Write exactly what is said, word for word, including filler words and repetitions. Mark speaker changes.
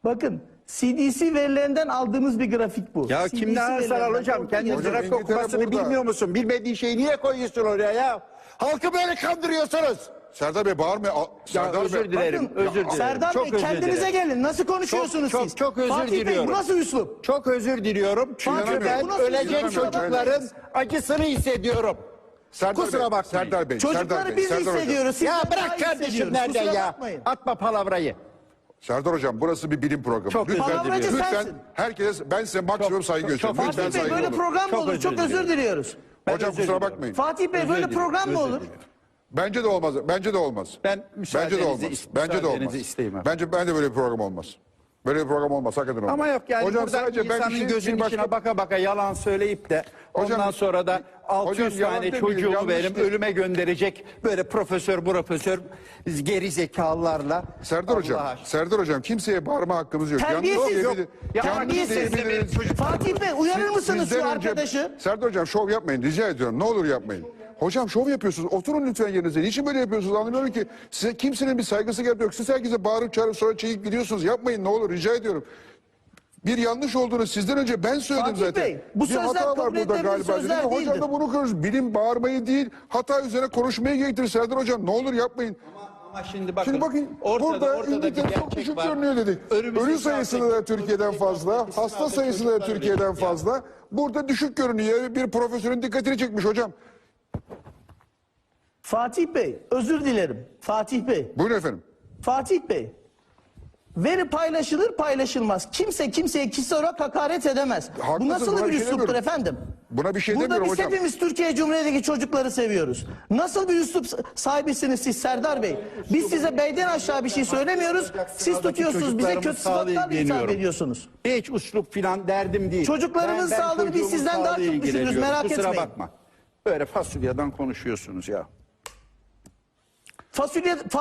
Speaker 1: Bakın C D C verilerinden aldığımız bir grafik bu.
Speaker 2: Ya
Speaker 1: C D C
Speaker 2: kimden alırsan al
Speaker 1: verilerinden
Speaker 2: hocam.
Speaker 1: orada
Speaker 2: Kendi
Speaker 1: yazıyor.
Speaker 2: grafik
Speaker 3: İngiltere
Speaker 2: okumasını
Speaker 3: burada.
Speaker 2: bilmiyor musun? Bilmediğin şeyi niye koyuyorsun oraya ya? Halkı böyle kandırıyorsunuz.
Speaker 3: Serdar Bey bağırma.
Speaker 2: Ya
Speaker 3: Serdar
Speaker 2: özür
Speaker 3: Bey.
Speaker 2: dilerim,
Speaker 1: Bakın,
Speaker 2: özür dilerim.
Speaker 1: Serdar
Speaker 2: Çok
Speaker 1: Bey
Speaker 2: özür
Speaker 1: kendinize
Speaker 2: dilerim.
Speaker 1: gelin. Nasıl konuşuyorsunuz
Speaker 2: Çok,
Speaker 1: siz?
Speaker 2: çok, çok özür
Speaker 1: Fatih Bey
Speaker 2: diliyorum.
Speaker 1: bu nasıl üslup?
Speaker 2: Çok özür diliyorum. Çünkü
Speaker 1: Fatih Bey,
Speaker 2: ben
Speaker 1: bu nasıl
Speaker 2: ölecek
Speaker 1: üzülüyorum?
Speaker 2: çocukların acısını hissediyorum.
Speaker 3: Serdar
Speaker 2: Kusura
Speaker 3: Bey,
Speaker 2: bakmayın.
Speaker 3: Serdar Bey. Serdar
Speaker 1: Çocukları
Speaker 3: Bey,
Speaker 1: biz
Speaker 3: Serdar Hocam.
Speaker 1: hissediyoruz. Sizden
Speaker 2: Ya
Speaker 1: daha
Speaker 2: bırak
Speaker 1: iyi
Speaker 2: kardeşim
Speaker 1: hissediyoruz.
Speaker 2: nereden
Speaker 1: Kusura
Speaker 2: ya?
Speaker 1: bakmayın.
Speaker 2: Atma palavrayı.
Speaker 3: Serdar Hocam burası bir bilim programı.
Speaker 2: Çok özür
Speaker 3: lütfen,
Speaker 1: Palavracı
Speaker 3: lütfen
Speaker 1: sensin.
Speaker 3: herkese ben size maksimum
Speaker 2: Çok-
Speaker 3: saygı
Speaker 2: çok-
Speaker 3: gösteriyorum.
Speaker 2: çok-
Speaker 3: Lütfen
Speaker 1: Fatih Bey
Speaker 3: saygı
Speaker 1: böyle
Speaker 3: olun.
Speaker 1: program mı
Speaker 2: Çok
Speaker 1: olur?
Speaker 2: özür
Speaker 1: Çok özür
Speaker 2: diliyorum.
Speaker 1: diliyoruz.
Speaker 2: Ben
Speaker 3: Hocam
Speaker 2: özür
Speaker 3: kusura
Speaker 2: diliyorum.
Speaker 3: bakmayın.
Speaker 1: Fatih Bey
Speaker 2: Özür
Speaker 1: böyle
Speaker 2: diliyorum,
Speaker 1: program mı
Speaker 2: özür
Speaker 1: olur?
Speaker 2: diliyorum.
Speaker 3: Bence de olmaz. Bence de olmaz.
Speaker 2: Ben
Speaker 3: Bence de
Speaker 2: müsaadenizi
Speaker 3: olmaz.
Speaker 2: is-
Speaker 3: Bence de
Speaker 2: müsaadenizi
Speaker 3: olmaz.
Speaker 2: isteyeyim efendim.
Speaker 3: Bence ben de böyle bir program olmaz. Böyle bir program olmaz. Hakikaten olmaz.
Speaker 2: Ama yok yani
Speaker 3: Hocam
Speaker 2: burada
Speaker 3: sadece ben bir
Speaker 2: insanın
Speaker 3: şey-
Speaker 2: gözünün
Speaker 3: bir başka-
Speaker 2: içine baka baka yalan söyleyip de
Speaker 3: Hocam-
Speaker 2: ondan sonra da altı yüz
Speaker 3: Hocam yalan
Speaker 2: tane
Speaker 3: demeyin,
Speaker 2: çocuğumu
Speaker 3: yanlış
Speaker 2: verim
Speaker 3: değil.
Speaker 2: ölüme gönderecek böyle profesör profesör geri zekalılarla.
Speaker 3: Serdar Hocam,
Speaker 2: Allah aşkına.
Speaker 3: Serdar Hocam kimseye bağırma hakkımız yok.
Speaker 1: Terbiyesiz.
Speaker 3: Yalnız
Speaker 1: Yok.
Speaker 3: diyebilir-
Speaker 2: Ya
Speaker 3: yalnız
Speaker 1: terbiyesiz.
Speaker 3: diyebiliriz.
Speaker 1: Fatih Bey uyarır
Speaker 3: Siz-
Speaker 1: mısınız şu
Speaker 3: sizden önce-
Speaker 1: arkadaşı?
Speaker 3: Serdar Hocam şov yapmayın rica ediyorum. Ne olur yapmayın. Hocam şov yapıyorsunuz. Oturun lütfen yerinize. Niçin böyle yapıyorsunuz anlamıyorum ki. Size kimsenin bir saygısı gerek yok. Siz herkese bağırıp çağırıp sonra çekip gidiyorsunuz. Yapmayın ne olur rica ediyorum. Bir yanlış olduğunu sizden önce ben söyledim
Speaker 1: Fatih
Speaker 3: zaten.
Speaker 1: Bey, bu
Speaker 3: bir
Speaker 1: sözler
Speaker 3: hata var
Speaker 1: kabul
Speaker 3: burada
Speaker 1: edilebilir
Speaker 3: galiba.
Speaker 1: sözler
Speaker 3: Dedim. Hocam
Speaker 1: değildir.
Speaker 3: da bunu konuşuyoruz. Bilim bağırmayı değil hata üzerine konuşmayı gerektirir Serdar Hocam. Ne olur yapmayın.
Speaker 2: Ama şimdi bakın,
Speaker 3: Şimdi bakın
Speaker 2: ortada,
Speaker 3: burada
Speaker 2: ortada bir
Speaker 3: İngiltere çok
Speaker 2: gerçek
Speaker 3: düşük
Speaker 2: var.
Speaker 3: görünüyor dedik.
Speaker 2: Önümüzdeki
Speaker 3: Ölü sayısı da
Speaker 2: hafta-
Speaker 3: Türkiye'den
Speaker 2: önümüzdeki
Speaker 3: fazla,
Speaker 2: haftaki
Speaker 3: hasta
Speaker 2: sınavda
Speaker 3: sayısı da
Speaker 2: çocuklar
Speaker 3: Türkiye'den
Speaker 2: ölecek ya.
Speaker 3: fazla. Burada düşük görünüyor. Bir profesörün dikkatini çekmiş hocam.
Speaker 1: Fatih Bey özür dilerim. Fatih Bey.
Speaker 3: Buyurun efendim.
Speaker 1: Fatih Bey. Veri paylaşılır paylaşılmaz. Kimse kimseye kişisel olarak hakaret edemez.
Speaker 3: Haklısınız,
Speaker 1: Bu nasıl
Speaker 3: buna
Speaker 1: bir
Speaker 3: bir şey
Speaker 1: üsluptur
Speaker 3: demiyorum.
Speaker 1: efendim?
Speaker 3: Buna bir şey
Speaker 1: Burada
Speaker 3: demiyorum
Speaker 1: biz
Speaker 3: hocam.
Speaker 1: hepimiz Türkiye Cumhuriyeti'ndeki çocukları seviyoruz. Nasıl bir üslup sahibisiniz siz Serdar Bey? Biz size beyden aşağı bir şey söylemiyoruz. Siz tutuyorsunuz bize kötü sıfatlarla hitap ediyorsunuz.
Speaker 2: Hiç usluk filan derdim değil.
Speaker 1: Çocuklarımızın sağlığını biz
Speaker 2: çocuğumun
Speaker 1: sizden daha
Speaker 2: sağlığıyla
Speaker 1: çok düşünürüz,
Speaker 2: ilgileniyorum.
Speaker 1: merak
Speaker 2: Kusura
Speaker 1: etmeyin.
Speaker 2: bakma. Böyle fasulyeden konuşuyorsunuz ya.
Speaker 1: Fasulye